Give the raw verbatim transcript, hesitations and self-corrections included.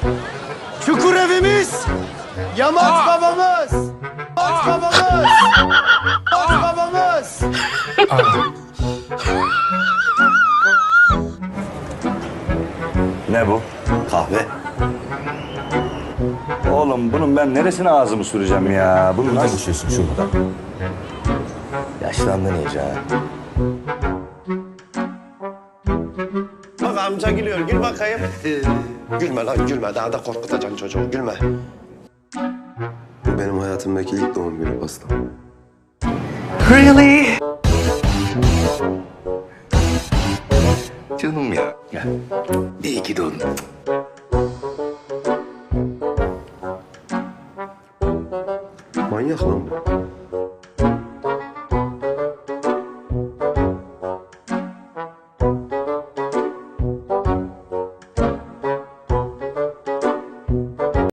Çukur evimiz, Yamaç babamız, Yamaç babamız, Yamaç babamız. Ne bu? Kahve. Oğlum bunun ben neresine ağzımı süreceğim ya? Bunu nasıl... Konuşuyorsun şurada. Yaşlandın iyice ha. Bak amca gülüyor, gül bakayım. Gülme lan, gülme. Daha da korkutacaksın çocuğu, gülme. Bu benim hayatımdaki ilk doğum günü pasta. Canım ya. Ya. İyi ki doğdun. Manyak lan bu.